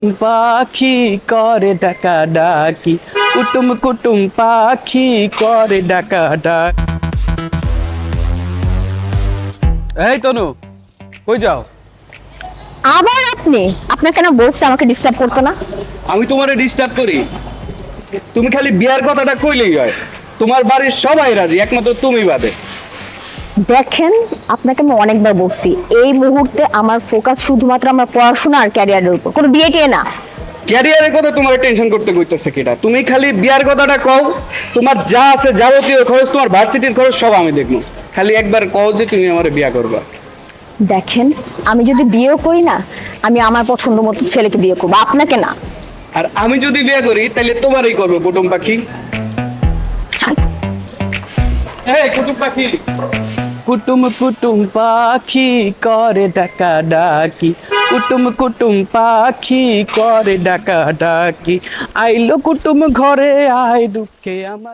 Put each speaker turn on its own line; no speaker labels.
পাখি করে ডাকা ডাকি, কুটুম কুটুম পাখি করে ডাকা ডাক। এই তনু, কই যাও?
আবার আপনি আপনার কেন বলছে আমাকে ডিস্টার্ব করতে না?
আমি তোমারে ডিস্টার্ব করি? তুমি খালি বিয়ার কথাটা কইলেই হয়। তোমার বাড়ির সবাই রাজি, একমাত্র তুমি বাদে।
দেখেন, আপনাকে আমি অনেকবার বলছি এই মুহূর্তে আমার ফোকাস শুধুমাত্র আমার পড়াশোনা আর ক্যারিয়ারের উপর, কোনো বিয়ে টিয়ে না।
ক্যারিয়ারের কথা তোমার টেনশন করতে কইতেছে কিটা? তুমি খালি বিয়ার কথাটা কও। তোমার যা আছে যাবতীয় খরচ, তোমার ভার্সিটির খরচ সব আমি দেখবো। খালি একবার কও যে তুমি আমার বিয়া করবা।
দেখেন, আমি যদি বিয়েও করি না, আমি আমার পছন্দ মতো ছেলেকে বিয়ে করবো, আপনাকে না।
আর আমি যদি বিয়ে করি তাহলে তোমারই করবো কুটুম পাখি। এই কুটুম পাখি, কুটুম কুটুম পাখি করে ডাকা ডাকি, কুটুম কুটুম পাখি করে ডাকা ডাকি। আইলো কুটুম ঘরে, আয় দুঃখে আমার।